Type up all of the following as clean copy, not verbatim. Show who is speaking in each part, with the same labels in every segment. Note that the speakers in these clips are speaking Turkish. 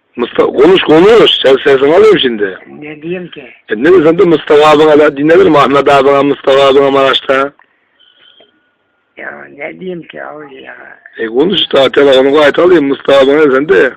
Speaker 1: Mustafa konuş. Sen sesini alıyorum şimdi.
Speaker 2: Ne diyeyim ki?
Speaker 1: Ne diyorsun da Mustafa abine dinlenir mi? Ahmet abine, Mustafa abine Maraş'ta.
Speaker 2: Ya ne diyeyim ki abi ya?
Speaker 1: Konuş işte telefonu gayet alayım Mustafa abine sen de.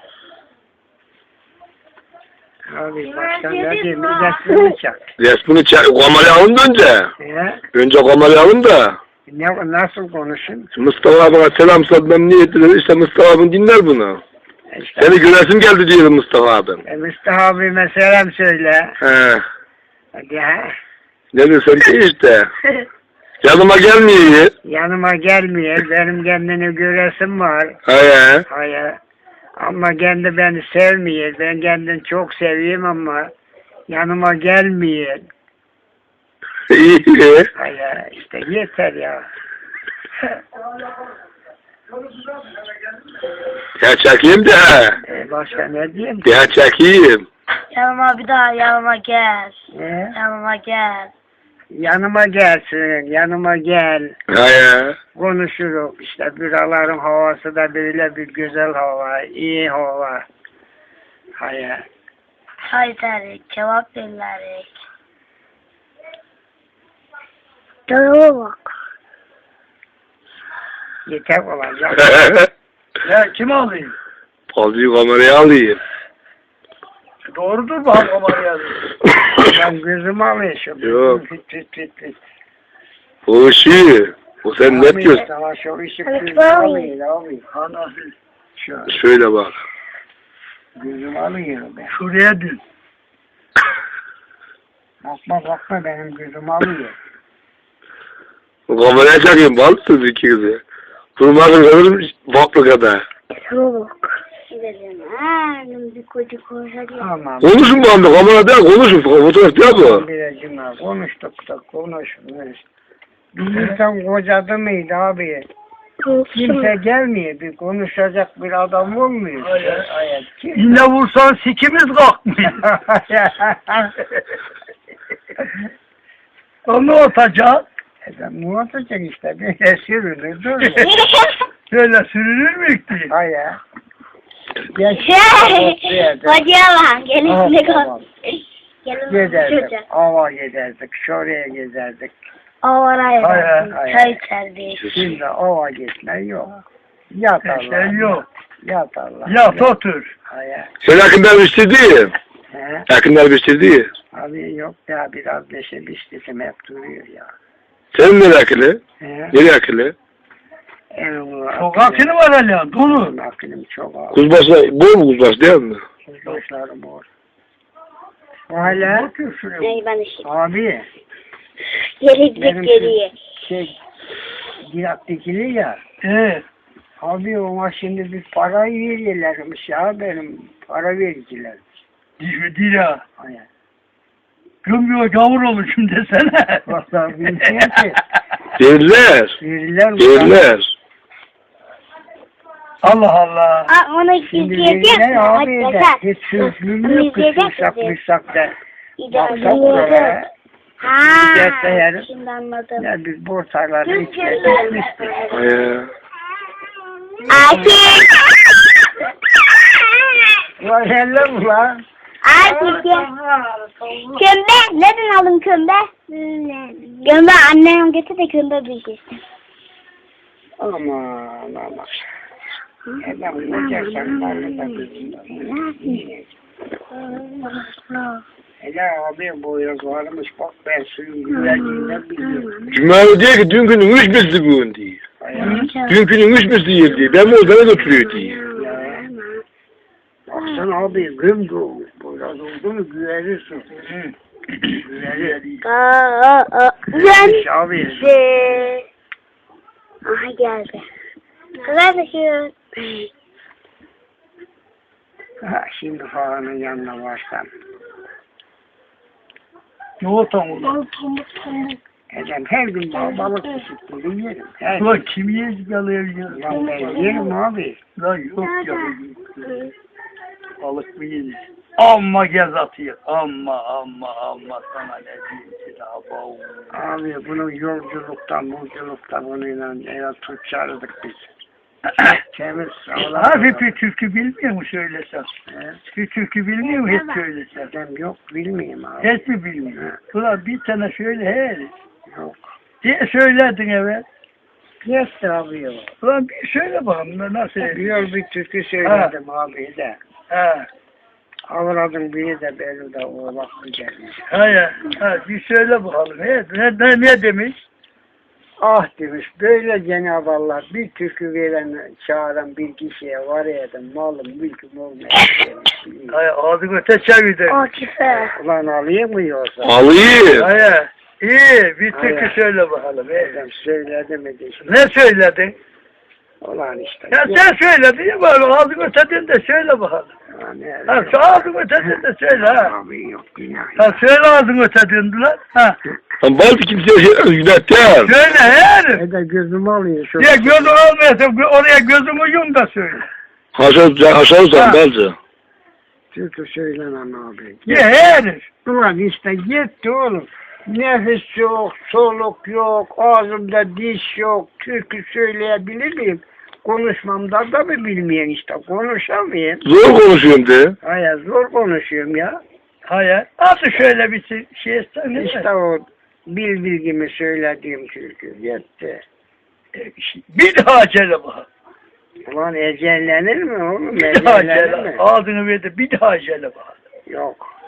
Speaker 2: Abi başka ne diyeyim? Bir resmini çak.
Speaker 1: Resmini çek. Kamerayı alın da önce. Önce kamerayı alın da.
Speaker 2: Nasıl konuşayım?
Speaker 1: Mustafa abine selam satmam niyetli dedi. İşte Mustafa abin dinler bunu.
Speaker 2: İşte,
Speaker 1: Seni göresim geldi diyelim Mustafa abim.
Speaker 2: Mustafa abime selam söyle.
Speaker 1: He.
Speaker 2: Hadi ha.
Speaker 1: Ne diyorsun ki işte. Yanıma gelmiyor.
Speaker 2: Yanıma gelmiyor. Benim kendini göresim var.
Speaker 1: He.
Speaker 2: Hayır. Ama kendi beni sevmiyor. Ben kendini çok seviyorum ama yanıma gelmiyor.
Speaker 1: İyi.
Speaker 2: Hayır işte yeter ya.
Speaker 1: Ya çekeyim de.
Speaker 2: Başka ne diyeyim ki?
Speaker 1: Ya çekeyim.
Speaker 3: Yanıma bir daha yanıma gel.
Speaker 2: Ne?
Speaker 3: Yanıma gel.
Speaker 2: Yanıma gelsin, yanıma gel.
Speaker 1: He.
Speaker 2: Konuşuruz. İşte buraların havası da böyle bir güzel hava, iyi hava. Hayır.
Speaker 3: Çay derik, kebap dillerik. Canıma bak.
Speaker 2: Yeter olacak. Ya kim alayım?
Speaker 1: Fazlıyı kamerayı alayım.
Speaker 2: Doğrudur bak kamerayı alayım. Ben gözümü alayım.
Speaker 1: Yok.
Speaker 2: Fit.
Speaker 1: O işi. O sen net göz.
Speaker 2: Sana şu işi
Speaker 3: Hadi
Speaker 2: gözümü
Speaker 3: bakalım.
Speaker 2: alayım abi. Anasıl. Şöyle.
Speaker 1: Şöyle bak.
Speaker 2: Gözümü alıyorum ben. Şuraya dün. Bakma benim gözümü alıyor.
Speaker 1: O kameraya çekeyim balsız ikinizi. Durmadın kalır baklı kadar.
Speaker 3: Canıma bak. Gidelim. Bir koca koca diye.
Speaker 2: Tamam.
Speaker 1: Konuşun bu anda kamera değil konuşun. Fotoğraf değil bu.
Speaker 2: Biracım abi konuştuk da konuşmuyoruz. Bir insan kocadı mıydı abi? Kimse gelmiyor. Bir konuşacak bir adam olmuyor. Hayır.
Speaker 4: Yine vursan sikimiz kalkmıyor. Onu atacak.
Speaker 2: Ne olacak işte? Bir sürülür durur.
Speaker 4: Şöyle sürünür mü ki?
Speaker 2: Hayır.
Speaker 3: Kocaman. Gelin de kal.
Speaker 2: Gezerdik. Ava gezerdik. Şuraya gezerdik.
Speaker 3: Avaraya
Speaker 4: Hayır,
Speaker 2: hayır.
Speaker 3: çay içerdik.
Speaker 2: Şimdi ava gitme yok. Yat Allah.
Speaker 4: Şey yok.
Speaker 2: Yat Allah.
Speaker 4: Yat otur.
Speaker 2: Hayır.
Speaker 1: Sen yakınlar bitirdi.
Speaker 2: He?
Speaker 1: Yakınlar bitirdi.
Speaker 2: Abi yok ya biraz neşe biçtim hep duruyor ya.
Speaker 1: Senin nereye akıllı?
Speaker 2: He?
Speaker 1: Nereye akıllı?
Speaker 4: Çok akını var hala. Dolu.
Speaker 2: Aklım çok ağır.
Speaker 1: Kuzbaşı, bu mu kuzbaşı değil mi?
Speaker 2: Kuzbaşlarım var. Hala
Speaker 3: Ney ben işte.
Speaker 2: abi
Speaker 3: Geri
Speaker 2: benim
Speaker 3: geriye.
Speaker 2: Girat dikili ya.
Speaker 4: He.
Speaker 2: Ona şimdi bir para veriyorlarmış ya benim para vericiler.
Speaker 4: Dira.
Speaker 2: Hayır.
Speaker 4: Gömüyor gavur olmuşum desene.
Speaker 2: Vallahi bilmiyorum ki.
Speaker 1: Verirler.
Speaker 2: Verirler mi?
Speaker 1: Verirler.
Speaker 4: Allah Allah.
Speaker 3: Onu
Speaker 2: Şimdi
Speaker 3: izleyecek
Speaker 2: verirler abi de.
Speaker 3: misin?
Speaker 2: Hiç sözlüğüm yok. Kısmışsak da. Baksak
Speaker 3: İzleyecek
Speaker 2: oraya.
Speaker 3: Ha,
Speaker 2: Giderse yarın.
Speaker 3: şimdi anladım.
Speaker 2: Ya biz borsalarda içine düşmüştük.
Speaker 1: He.
Speaker 3: Akif!
Speaker 2: Vay hello mu lan?
Speaker 3: Akif ya. Kömbe. Neden aldın kömbe? Kömbe annem getir de kömbe bilgisini.
Speaker 2: Aman. Adam olacaksan varlı da kızından. Hele abi boyraz varmış bak ben suyun güzelliğinden biliyorum.
Speaker 1: Cumali diyor ki dün günün üç misli bugün diyor. Dün günün üç misli yer diyor. Ben oradan götürüyor diyor.
Speaker 2: Ya. Baksana abi güm doğmuş. Boyraz oldu mu güverirsin. Güverir.
Speaker 3: Güzel.
Speaker 2: Abi.
Speaker 3: Aha geldi. Kardeşim.
Speaker 2: Ha, şimdi falanın yanına varsam.
Speaker 4: Ne otan ulan?
Speaker 2: Edem her gün balık pişirttiğini yerim. Her gün.
Speaker 4: Ulan kim yiyecek alıyor ya?
Speaker 2: Lan ben yerim abi.
Speaker 4: Lan yok ya. Balık mı yiyecek? Amma gez atıyor. Amma sana ne diyeyim ki daha bu.
Speaker 2: Abi bunu yolculuktan bununla eve tut çağırdık biz. Temiz sağlam.
Speaker 4: Hafif bir türkü bilmiyor mu söylesem?
Speaker 2: He?
Speaker 4: Bir türkü bilmiyor mu hiç söylesem?
Speaker 2: Dedem yok bilmeyeyim abi.
Speaker 4: Hiç mi bilmiyor? Ulan bir tane şöyle he.
Speaker 2: Yok.
Speaker 4: Diye söyledin evet.
Speaker 2: Yes abi yok.
Speaker 4: Ulan bir söyle bakalım da nasıl?
Speaker 2: Bir türkü söyledim abi de.
Speaker 4: Ha.
Speaker 2: Avradın biri de beni de oğlak gelmiş.
Speaker 4: Ha, bir söyle bakalım. Ne demiş?
Speaker 2: Ah demiş böyle Cenab-ı Allah bir türkü veren çağıran bir kişiye var edim malım mülküm olmayacak demiş.
Speaker 4: Hay ağzını öte çevirdi.
Speaker 3: Akif'e.
Speaker 2: Ulan alayım mı yoksa?
Speaker 1: Alayım.
Speaker 4: Hay iyi bir türkü
Speaker 2: Hay.
Speaker 4: söyle bakalım.
Speaker 2: Dedim söyledi mi de işte.
Speaker 4: Ne söyledin?
Speaker 2: Ulan işte.
Speaker 4: Ya sen söyledin ya böyle ağzını ötedin de söyle bakalım. Ha şu ağzını ötedin de söyle ha.
Speaker 2: Abi yok günah.
Speaker 4: Ha söyle ağzını ötedin lan. Ha.
Speaker 1: Lan bazı kimseye günah değil.
Speaker 4: Söyle yani.
Speaker 2: Ne de gözüm alıyor şu.
Speaker 4: Ya gözün olmayasın oraya gözümü yum da söyle.
Speaker 1: Haşarsan bazı.
Speaker 2: Türkü söylemem abi.
Speaker 4: Ya herif.
Speaker 2: Ulan işte gitti oğlum. Nefes yok, soluk yok, ağzımda diş yok. Türkü söyleyebilir miyim? Konuşmamda da mı bilmeyen işte konuşamayayım.
Speaker 1: Zor konuşuyorum de.
Speaker 2: Hayır zor konuşuyorum ya.
Speaker 4: Hayır. Nasıl şöyle bir şey etsen
Speaker 2: İşte o bilgimi söylediğim türkü yetti.
Speaker 4: Bir daha söyle bakalım.
Speaker 2: Ulan ecellenir mi oğlum?
Speaker 4: Bir daha
Speaker 2: Ecellenir
Speaker 4: söyle.
Speaker 2: mi?
Speaker 4: Ağzını verdi bir daha söyle bakalım.
Speaker 2: Yok.